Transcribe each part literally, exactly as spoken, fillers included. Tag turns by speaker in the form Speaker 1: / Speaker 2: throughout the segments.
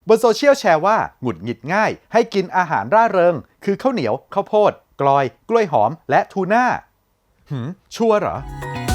Speaker 1: บนโซเชียลแชร์ว่าหงุดหงิดง่ายให้กินอาหารร่าเริงคือข้าวเหนียวข้าวโพดกลอยกล้วยหอมและทูน่าหืมชัวร์เหรอ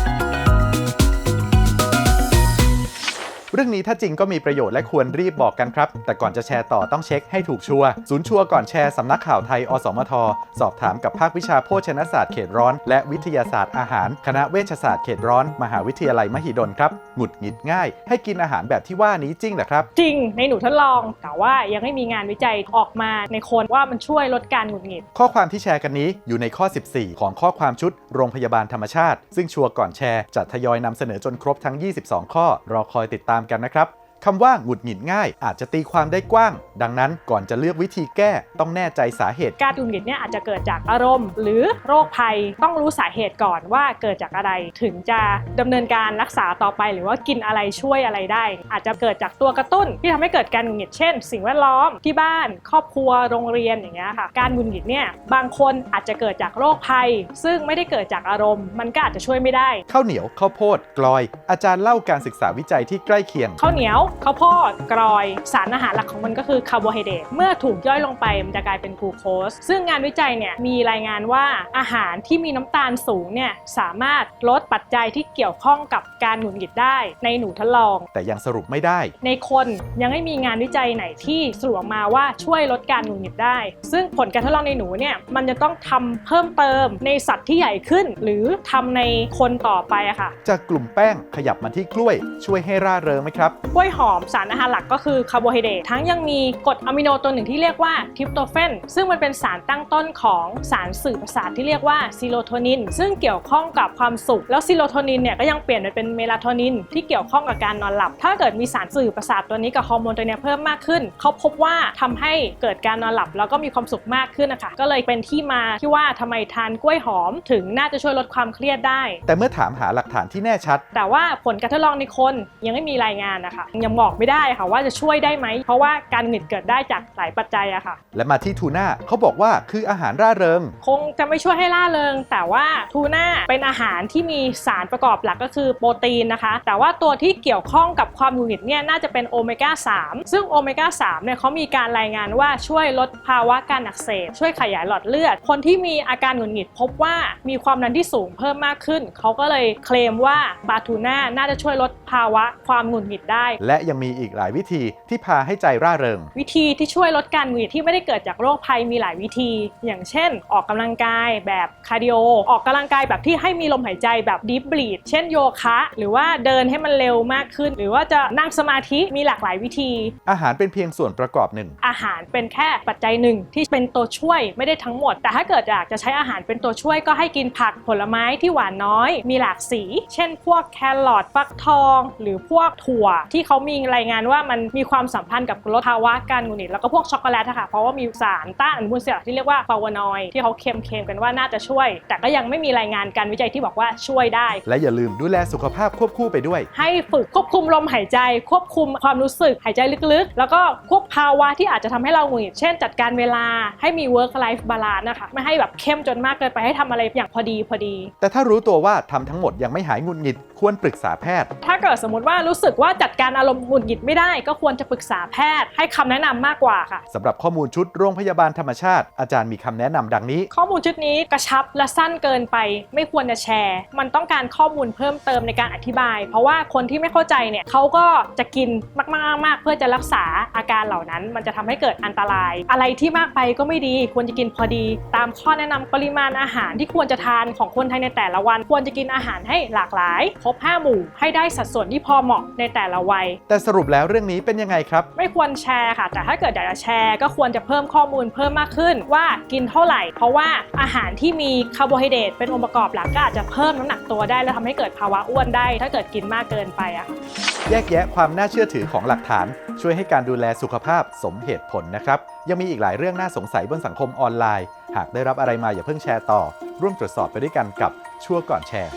Speaker 1: เรื่องนี้ถ้าจริงก็มีประโยชน์และควรรีบบอกกันครับแต่ก่อนจะแชร์ต่อต้องเช็คให้ถูกชัวร์ศูนย์ชัวร์ก่อนแชร์สำนักข่าวไทยอสมทสอบถามกับภาควิชาโภชนศาสตร์เขตร้อนและวิทยาศาสตร์อาหารคณะเวชศาสตร์เขตร้อนมหาวิทยาลัยมหิดลครับหงุดหงิดง่ายให้กินอาหารแบบที่ว่านี้จริงเหรอครับ
Speaker 2: จริงในหนูทดลองแต่ว่ายังไม่มีงานวิจัยออกมาในคนว่ามันช่วยลดการหงุดหงิด
Speaker 1: ข้อความที่แชร์กันนี้อยู่ในข้อสิบสี่ของข้อความชุดโรงพยาบาลธรรมชาติซึ่งชัวร์ก่อนแชร์จะทยอยนำเสนอจนครบทั้งยี่สิบสองข้อรอคอยติดตามกันนะครับคำว่าหงุดหงิดง่ายอาจจะตีความได้กว้างดังนั้นก่อนจะเลือกวิธีแก้ต้องแน่ใจสาเหตุ
Speaker 2: การหงุดหงิดเนี่ยอาจจะเกิดจากอารมณ์หรือโรคภัยต้องรู้สาเหตุก่อนว่าเกิดจากอะไรถึงจะดำเนินการรักษาต่อไปหรือว่ากินอะไรช่วยอะไรได้อาจจะเกิดจากตัวกระตุ้นที่ทำให้เกิดการหงุดหงิดเช่นสิ่งแวดล้อมที่บ้านครอบครัวโรงเรียนอย่างเงี้ยค่ะการหงุดหงิดเนี่ยบางคนอาจจะเกิดจากโรคภัยซึ่งไม่ได้เกิดจากอารมณ์มันก็อาจจะช่วยไม่ได้
Speaker 1: ข้าวเหนียวข้าวโพดกลอยอาจารย์เล่าการศึกษาวิจัยที่ใกล้เคียง
Speaker 2: ข้าวเหนียวข้าวโพดกรอยสารอาหารหลักของมันก็คือคาร์โบไฮเดรตเมื่อถูกย่อยลงไปมันจะกลายเป็นกลูโคสซึ่งงานวิจัยเนี่ยมีรายงานว่าอาหารที่มีน้ำตาลสูงเนี่ยสามารถลดปัจจัยที่เกี่ยวข้องกับการหงุดหงิดได้ในหนูทดลอง
Speaker 1: แต่ยังสรุปไม่ได้
Speaker 2: ในคนยังไม่มีงานวิจัยไหนที่สรุปออกมาว่าช่วยลดการหงุดหงิดได้ซึ่งผลการทดลองในหนูเนี่ยมันจะต้องทำเพิ่มเติมในสัตว์ที่ใหญ่ขึ้นหรือทำในคนต่อไปอะค่ะ
Speaker 1: จากกลุ่มแป้งขยับมาที่กล้วยช่วยให้ร่าเริงไหมครับ
Speaker 2: กล้วยหอมสารอาหารหลักก็คือคาร์โบไฮเดรตทั้งยังมีกรดอะมิโนตัวหนึ่งที่เรียกว่าทริปโตเฟนซึ่งมันเป็นสารตั้งต้นของสารสื่อประสาทที่เรียกว่าซีโรโทนินซึ่งเกี่ยวข้องกับความสุขแล้วซีโรโทนินเนี่ยก็ยังเปลี่ยนไปเป็นเมลาโทนินที่เกี่ยวข้องกับการนอนหลับถ้าเกิดมีสารสื่อประสาทตัวนี้กับฮอร์โมนตัวนี้เพิ่มมากขึ้นเขาพบว่าทำให้เกิดการนอนหลับแล้วก็มีความสุขมากขึ้นนะคะก็เลยเป็นที่มาที่ว่าทำไมทานกล้วยหอมถึงน่าจะช่วยลดความเครียดได้
Speaker 1: แต่เมื่อถามหาหลักฐานที่แน่ชัด
Speaker 2: แต่ว่าผลการทดลองในคนยังไม่มีรายงานนะคะยังบอกไม่ได้ค่ะว่าจะช่วยได้ไหมเพราะว่าการหงุดหงิดเกิดได้จากหลายปัจจัยอะค่ะ
Speaker 1: และมาที่ทูน่าเขาบอกว่าคืออาหารร่าเริง
Speaker 2: คงจะไม่ช่วยให้ร่าเริงแต่ว่าทูน่าเป็นอาหารที่มีสารประกอบหลักก็คือโปรตีนนะคะแต่ว่าตัวที่เกี่ยวข้องกับความหงุดหงิดเนี่ยน่าจะเป็นโอเมก้าสามซึ่งโอเมก้าสามเนี่ยเขามีการรายงานว่าช่วยลดภาวะการอักเสบช่วยขยายหลอดเลือดคนที่มีอาการหงุดหงิดพบว่ามีความดันที่สูงเพิ่มมากขึ้นเขาก็เลยเคลมว่าปลาทูน่าน่าจะช่วยลดภาวะความหงุดหงิดได้
Speaker 1: และยังมีอีกหลายวิธีที่พาให้ใจร่าเริง
Speaker 2: วิธีที่ช่วยลดการหงุดหงิดที่ไม่ได้เกิดจากโรคภัยมีหลายวิธีอย่างเช่นออกกำลังกายแบบคาร์ดิโอออกกำลังกายแบบที่ให้มีลมหายใจแบบดีฟบรีธเช่นโยคะหรือว่าเดินให้มันเร็วมากขึ้นหรือว่าจะนั่งสมาธิมีหลากหลายวิธี
Speaker 1: อาหารเป็นเพียงส่วนประกอบหนึ่ง
Speaker 2: อาหารเป็นแค่ปัจจัยหนึ่งที่เป็นตัวช่วยไม่ได้ทั้งหมดแต่ถ้าเกิดอยากจะใช้อาหารเป็นตัวช่วยก็ให้กินผักผลไม้ที่หวานน้อยมีหลากสีเช่นพวกแครอทฟักทองหรือพวกถั่วที่เขามีรายงานว่ามันมีความสัมพันธ์กับลดภาวะการหงุดหงิดแล้วก็พวกช็อกโกแลตค่ะเพราะว่ามีสารต้านอนุมูลอิสระที่เรียกว่าฟลาวโนอยด์ที่เขาเคลมๆกันว่าน่าจะช่วยแต่ก็ยังไม่มีรายงานการวิจัยที่บอกว่าช่วยได้
Speaker 1: และอย่าลืมดูแลสุขภาพควบคู่ไปด้วย
Speaker 2: ให้ฝึกควบคุมลมหายใจควบคุมความรู้สึกหายใจลึกๆแล้วก็ควบภาวะที่อาจจะทำให้เราหงุดหงิดเช่นจัดการเวลาให้มี work life balance นะคะไม่ให้แบบเข้มจนมากเกินไปให้ทำอะไรอย่างพอดีพอดี
Speaker 1: แต่ถ้ารู้ตัวว่าทำทั้งหมดยังไม่หายหงุดหงิดควรปรึกษาแพทย์
Speaker 2: ถ้าเกิดสมมติว่ารู้สึกว่าจัดการอารมณ์หงุดหงิดไม่ได้ก็ควรจะปรึกษาแพทย์ให้คำแนะนำมากกว่าค่ะ
Speaker 1: สำหรับข้อมูลชุดโรงพยาบาลธรรมชาติอาจารย์มีคำแนะนำดังนี้
Speaker 2: ข้อมูลชุดนี้กระชับและสั้นเกินไปไม่ควรจะแชร์มันต้องการข้อมูลเพิ่มเติมในการอธิบายเพราะว่าคนที่ไม่เข้าใจเนี่ยเขาก็จะกินมากๆๆเพื่อจะรักษาอาการเหล่านั้นมันจะทำให้เกิดอันตรายอะไรที่มากไปก็ไม่ดีควรจะกินพอดีตามข้อแนะนำปริมาณอาหารที่ควรจะทานของคนไทยในแต่ละวันควรจะกินอาหารให้หลากหลายครบห้าหมู่ให้ได้สัดส่วนที่พอเหมาะในแต่ละวัย
Speaker 1: แต่สรุปแล้วเรื่องนี้เป็นยังไงครับ
Speaker 2: ไม่ควรแชร์ค่ะแต่ถ้าเกิดอยากจะแชร์ก็ควรจะเพิ่มข้อมูลเพิ่มมากขึ้นว่ากินเท่าไหร่เพราะว่าอาหารที่มีคาร์โบไฮเดรตเป็นองค์ประกอบหลักก็อาจจะเพิ่มน้ำหนักตัวได้และทำให้เกิดภาวะอ้วนได้ถ้าเกิดกินมากเกินไปอะ
Speaker 1: แยกแยะความน่าเชื่อถือของหลักฐานช่วยให้การดูแลสุขภาพสมเหตุผลนะครับยังมีอีกหลายเรื่องน่าสงสัยบนสังคมออนไลน์หากได้รับอะไรมาอย่าเพิ่งแชร์ต่อร่วมตรวจสอบไปด้วยกันกับชัวร์ก่อนแชร์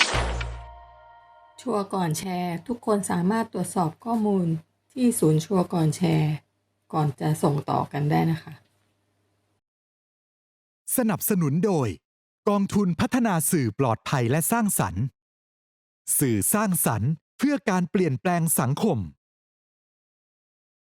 Speaker 3: ชัวร์ก่อนแชร์ทุกคนสามารถตรวจสอบข้อมูลที่ศูนย์ชัวร์ก่อนแชร์ก่อนจะส่งต่อกันได้นะคะ
Speaker 4: สนับสนุนโดยกองทุนพัฒนาสื่อปลอดภัยและสร้างสรรค์สื่อสร้างสรรค์เพื่อการเปลี่ยนแปลงสังคม